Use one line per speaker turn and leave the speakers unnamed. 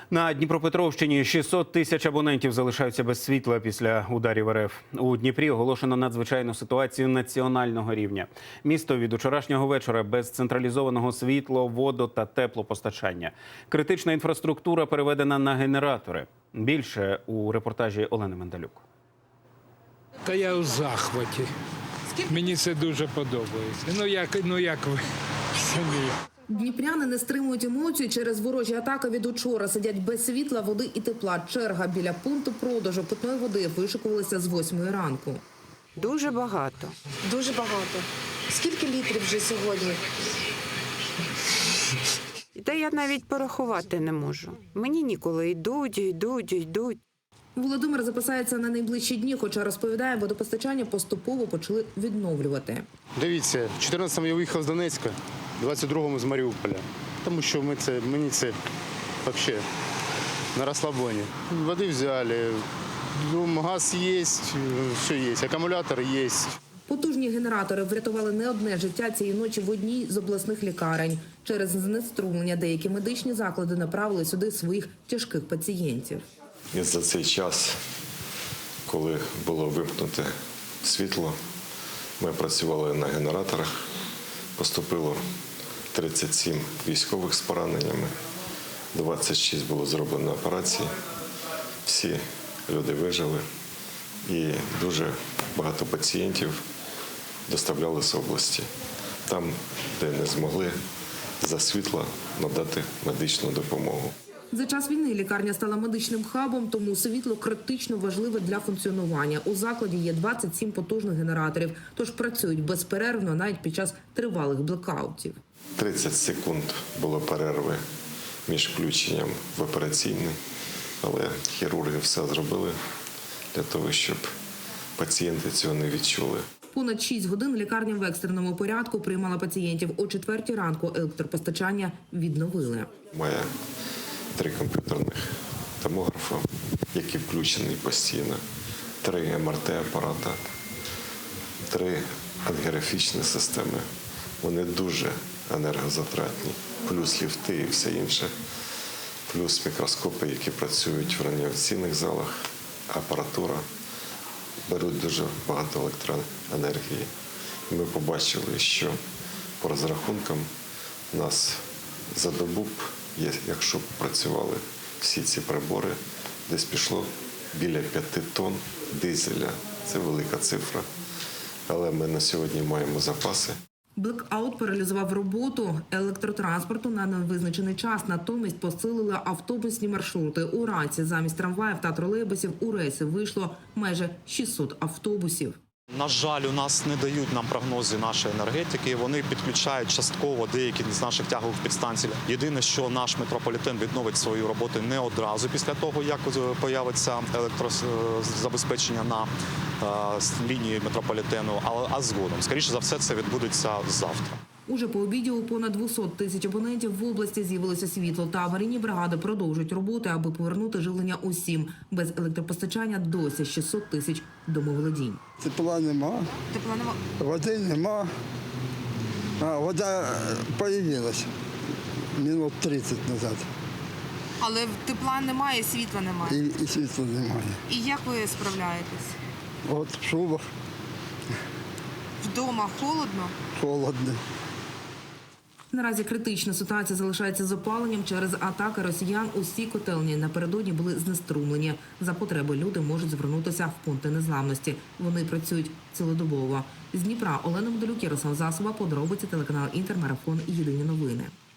На Дніпропетровщині 600 тисяч абонентів залишаються без світла після ударів РФ. У Дніпрі оголошено надзвичайну ситуацію національного рівня. Місто від вчорашнього вечора без централізованого світло, воду та теплопостачання. Критична інфраструктура переведена на генератори. Більше у репортажі Олени Мендалюк.
Та я у захваті. Мені це дуже подобається. Ну як ви самі?
Дніпряни не стримують емоцій через ворожі атаки від учора. Сидять без світла, води і тепла. Черга біля пункту продажу питної води вишикувалася з 8 ранку.
Дуже багато.
Дуже багато. Скільки літрів вже сьогодні?
Та я навіть порахувати не можу. Мені ніколи йдуть.
Володимир записається на найближчі дні, хоча розповідає, водопостачання поступово почали відновлювати.
Дивіться, 14-му я виїхав з Донецька, 22-му з Маріуполя. Тому що мені це взагалі на розслабоні. Води взяли, газ є, все є, акумулятор є.
Потужні генератори врятували не одне життя цієї ночі в одній з обласних лікарень. Через знеструмлення деякі медичні заклади направили сюди своїх тяжких пацієнтів.
І за цей час, коли було вимкнуте світло, ми працювали на генераторах. Поступило 37 військових з пораненнями, 26 було зроблено операцій. Всі люди вижили і дуже багато пацієнтів доставляли з області. Там, де не змогли за світла надати медичну допомогу.
За час війни лікарня стала медичним хабом, тому світло критично важливе для функціонування. У закладі є 27 потужних генераторів, тож працюють безперервно навіть під час тривалих блекаутів.
30 секунд було перерви між включенням в операційний, але хірурги все зробили для того, щоб пацієнти цього не відчули.
Понад 6 годин лікарня в екстреному порядку приймала пацієнтів. О 4 ранку електропостачання відновили.
Має 3 комп'ютерних томографи, які включені постійно, 3 МРТ-апарата, 3 ангіографічні системи. Вони дуже енергозатратні, плюс ліфти і все інше, плюс мікроскопи, які працюють в реанімаційних залах, апаратура. Беруть дуже багато електроенергії. Ми побачили, що по розрахункам у нас за добу, якщо б працювали всі ці прибори, десь пішло біля 5 тонн дизеля. Це велика цифра. Але ми на сьогодні маємо запаси.
Блекаут паралізував роботу електротранспорту на невизначений час. Натомість посилили автобусні маршрути. Уранці замість трамваїв та тролейбусів у рейси вийшло майже 600 автобусів.
На жаль, у нас не дають нам прогнози нашої енергетики. Вони підключають частково деякі з наших тягових підстанцій. Єдине, що наш метрополітен відновить свою роботу не одразу після того, як появиться електрозабезпечення на лінії метрополітену, а згодом. Скоріше за все, це відбудеться завтра.
Уже по обіді у понад 200 тисяч абонентів в області з'явилося світло, та аварійні бригади продовжують роботи, аби повернути живлення усім. Без електропостачання досі 600 тисяч домоволодінь.
Тепла нема, води нема. Вода з'явилася минут 30 назад.
Але тепла немає, світла немає.
І світла немає.
І як ви справляєтесь?
От в шубах
Вдома холодно?
холодно.
Наразі критична ситуація залишається з опаленням через атаки росіян. Усі котельні напередодні були знеструмлені. За потреби люди можуть звернутися в пункти незламності. Вони працюють цілодобово. З Дніпра Олена Мендалюк, Ярослав Засоба, подробиці, телеканал Інтер, Марафон, Єдині новини.